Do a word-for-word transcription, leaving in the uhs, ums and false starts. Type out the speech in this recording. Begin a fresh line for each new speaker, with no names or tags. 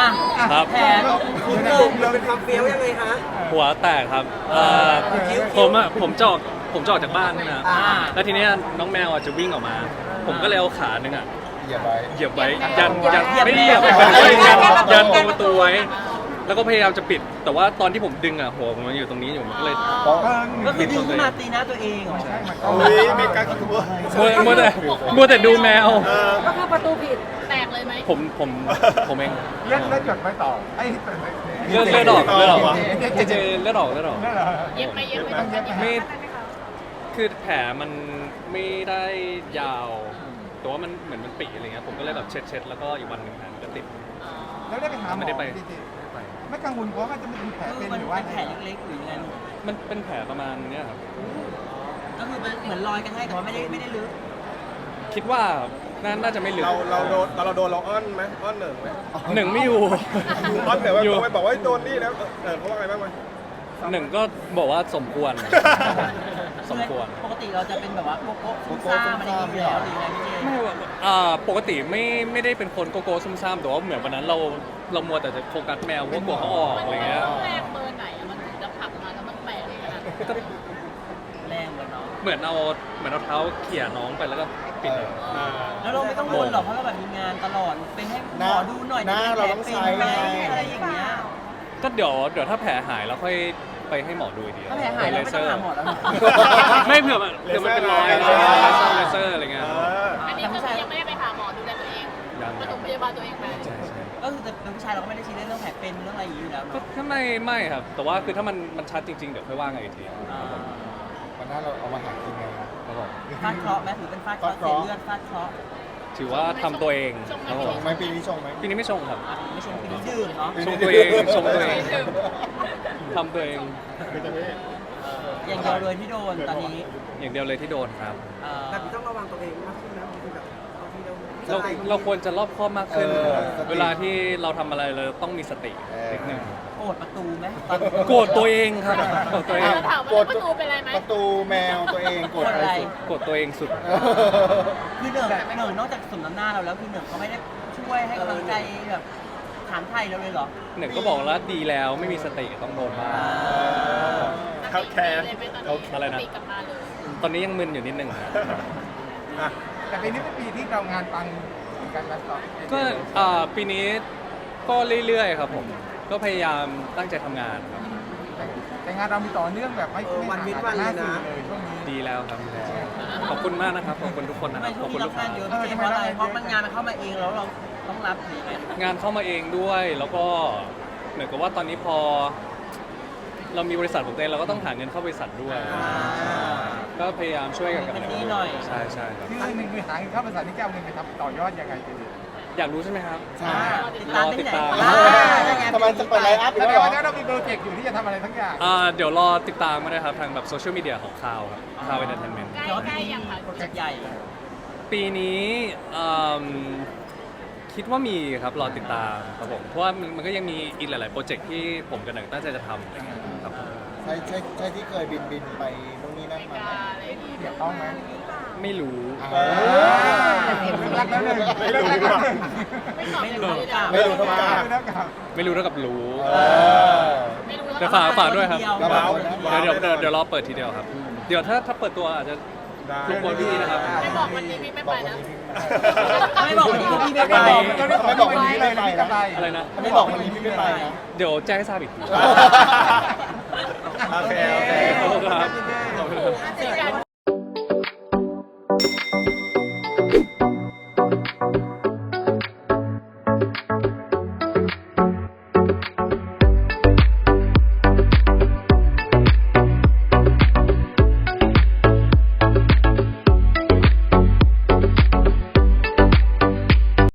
อ่ะ
ครับ
แผนคุณเริ่ม
เราเป็นความเฟี้ยวยังไงคะ
หัวแตกครับเอ่อผมอ่ะผมจะออกผมจะออกจากบ้านใช่ไหมครับ
อ่า
แล้วทีเนี้ยน้องแมวอ่ะจะวิ่งออกมา ผมก็เลยเอาขาหนึ่งอ่ะ
เหยียบไว้
เหยียบไว้ยันยัน
เหยียบ
ไม่ได้เหยียบ
เหยียบ
ไม่ได้ยัน
เหยียบ
ยันตรงประตูไว้ แล้วก็พยายามจะปิด แต่ว่าตอนที่ผมดึงอ่ะหัวผมมันอยู่ตรงนี้อยู่มันก็เลย
ก็คือดึงขึ้นมาตีหน้าตัวเองเหรอ
โอ้ยเมกาคิดว่า
มัวมัวแต่มัวแต่ดูแมว
ก็คือประตูผิดแตกเลยไหม
ผมผมผมเอง
เลือดเลือดหยดไม่ต่อไอ้
เลือดเลือดออกเลือดออกเจเจเลือดออกเลือดออก
เลือดเหรอ
เย็บไหมเย็บไหมต้องเย็บไหม
ไม่ คือแผลมันไม่ได้ยาว แต่ว่ามันเหมือนมันปีอะไรเงี้ย ผมก็เลยแบบเช็ดเช็ดแล้วก็อีกวันหนึ่งแผลมันก็ติด
แล้วได้ไปหาหมอ
ไม่ได้ไป
จริงๆไม่กังวลเพราะว่าจะเป็นแผล
คื
เป็
อน มัน
หรือว่า
เป็นแผลเล็กๆหรือยังไงลูก
มันเป็นแผลประมาณเนี้ยครับ
ก็คือมันเหมือนรอยกันให้แต่ว่าไม่ได้ไม่ได้ลึก
คิดว่าน่าน่าจะไม่ลึก
เราเราโดนตอนเราโดนเราอ้อนไหมอ้อนเหนิงไหม
หนึ่งไม่อยู่
อ้อนเหนิงว่า
อยู่
ไปบอกว่าโดนนี่แล้วเออเขาว่าไงบ้างไหม
หนึ่งก็บอกว่าสมควร สมควร
ปกติเราจะเป็นแบบว่าโกโก้ซุ่มซ่ามอะไรอย่างเงี้ยอยู่แล้วหรือยังไงพี่เจ
ไม่ว่าอ่าปกติไม่ไม่ได้เป็นคนโกโก้ซุ่มซ่ามแต่ว่าเหมือนวันนั้นเราเรามัวแต่จะโฟกัสแมวเพราะว่ากลัวเขาออกอะไรเงี้ย
แรงเบอร์ไหนอะมันถึงจะผลักมาแล้วมันแตกขนาดนั้น
ก็
แรงเลยเนาะ
เหมือนเอาเหมือนเอาเท้าเขี่ยน้องไปแล้วก็ปิดเลย
แล้วเราไม่ต้องวนหรอกเพราะเราแบบมีงานตลอดไปให้หมอดูหน่อย
หน้าเราต้องใช้
เป็น
ไง
ไหมอะไรอย่างเงี้ย
ก็เดี๋ยวเดี๋ยวถ้าแผลหายแล้วค่อยไปให้หมอดูอีกที
ถ้าแผลหายเราไม่ต้องหาหมอแล้วนะ
ไม่เผื่อมันเผื่อมันเป็นรอย
เล
เล
เซอร์
เซอร์เลเซอร์อะไรเงี้ย
เออ
อันนี้คือยังไม่ได้ไปหาหมอดูแลตัวเอง
ยัง
ปฐมพยาบาลตัวเองไป
ใช่ใช่
ก็คือแต่เป็นผู้ชายเราก็ไม่ได้ชี้เรื่องแผลเป็นเรื่องอะไรอย่างนี้อยู่แล้ว
ก็
เนาะ
ถ้าไม่ไม่ครับ แต่ว่าคือถ้ามันมันชัดจริง ๆ เดี๋ยวค่อยว่ากันอีกที
อ่า
วันหน้าเราเอามาหากินไง
ครับผม
ฟาดเคราะห์ไหมถือเป็นฟาดเคราะห์เสียเลือดฟาดเคราะห์
ถือว่าทำตัวเองครับผ
ช
ม
งไหมปีนี้ชงไหม
ปีนี้ไม่ชงครับ
อ่ะไม่ชมปีนี้ดื่มเนาะ
ชงตัวเองชงตัวเองทำตัวเอง
อย่างเดียวเลยที่โดนตอนนี้
อย่างเดียวเลยที่โดนครับ
เอ่อ
แต่พี่ต้องระวังตัวเองมากขึ้นนะบางทีแบบบางทีเรา
เราเราควรจะรอบคอบมากขึ้น
เออสติ
เวลาที่เราทำอะไรเราต้องมีสติ
เออ
นิดนึง
โกรธประตูไหมตอน
โกรธตัวเองครับโกรธตัวเอง
เราถามว่าประตูเป็นไรไหม
ประตูแมวตัวเองกดอะไรสุด
โกรธตัวเองสุด
เออ
คือเหนิงเหนิงนอกจากสมน้ำหน้าเราแล้วคือเหนิงเขาไม่ได้ช่วยให้กำลังใจแบบถามไทยเราเลยเหรอ
หนึ่งก็บอกแล้วดีแล้วไม่มีสติต้องโดนบ้าง
ครับแคร์
เลยเป็นตอน
อะไรนะ
นี้กลับมาเลย
ตอนนี้ยังมึนอยู่นิดนึงครับ
อ่ะ
แต่ปีนี้เป็นปีที่เรางานปังการงานต่อ
ก็อ่าปีนี้ก็เรื่อยๆครับผม ก็พยายามตั้งใจทำงานครับ
แต่งานเรามีต่อเนื่องแบบไม่ไม่ห่างกันเลยช่วงนี้
ดีแล้วครับดีแล้วขอบคุณมากนะครับ ขอบคุณทุกคนนะ
ทำ
ค
ไม
รับ
ช่
ข
ว
อง บคุณ
นี้
ลู
รับ
กค้า
งานเยอะพี่เจเพราะอะไรเพราะมันงานมันเข้ามาเองแล้วเราต้องรับหรือไง
งานเข้ามาเองด้วย แล้วก็เหมือนกับว่าตอนนี้พอ เรามีบริษัทของตัวเองเราก็ต้องหาเงินเข้าบริษัทด้วย ก็พยายามช่วยกันกับ
เป็นหนี้หน่อย
ใช่ใช่ครับ
ที่หนึ่งคือหาเงินเข้าบริษัทนี่จะเอาเงินไปทำต่อยอดยังไงดี
อยากรู้ใช่ไหมครับ
ใช่
ติดตามได้ที่ไหน
รอติดตาม
อ่าได้ไง
ทำไมจะไปไลฟ์อัพอี
แส
ก
ด
แล้ว
ง
เหรอ
ว่าเรามีโปรเจกต์อยู่ที่จะทำอะไรทั้งอย่าง
อ่าเดี๋ยวรอติดตามมานะครับทางแบบโซเชียลมีเดียของข่าวครับข่าวเอนเตอร์เทนเมนต์
ใกล้
เดี๋ยว
ใกล้
ปี
ยังค่ะ
โปรเจกต์ใหญ่
ปีนี้อืมคิดว่ามีครับรอติดตามครับผมเพราะว่ามันมันก็ยังมีอีกหลาย ๆ โปรเจกต์ที่ผมกับหนังตั้งใจจะทำครับผม
ใช่ใช่ใช่ที่เคยบินบินไปนู่นนี่นั่นมาไหม
อะไรอย่างงี้
เกี่ยวข้องไหม
ไม่รู้
เออ
รักแล้วหนึ่ง
ไม่รู้
รักแล้วหนึ่ง
ไม่ตอบ
ไม่รู้
เลยนะ
กล้า
ไม่รู้เท่ากับ
รักกับ
ไม่รู้เท่ากับรู้
เออ
ไม่รู้
เดี๋ยวฝากฝากด้วยครับ
ระวังนะ
เดี๋ยวเดี๋ยวเดี๋ยวเดี๋ยวรอเปิดทีเดียวครับ เดี๋ยวถ้าถ้าเปิดตัวอาจจะรบกวนพี่นะครับ
ไม่บอกวันนี้พี่ไม่ไปนะ
ไม่บอกวันนี้พี่ไม่ไป
ไม่บอกวันนี้ไม่ไปนะ
อะไรนะ
ไม่บอกวันนี้พี่ไม่ไปนะ
เดี๋ยวแจ้งให้ทราบอีกที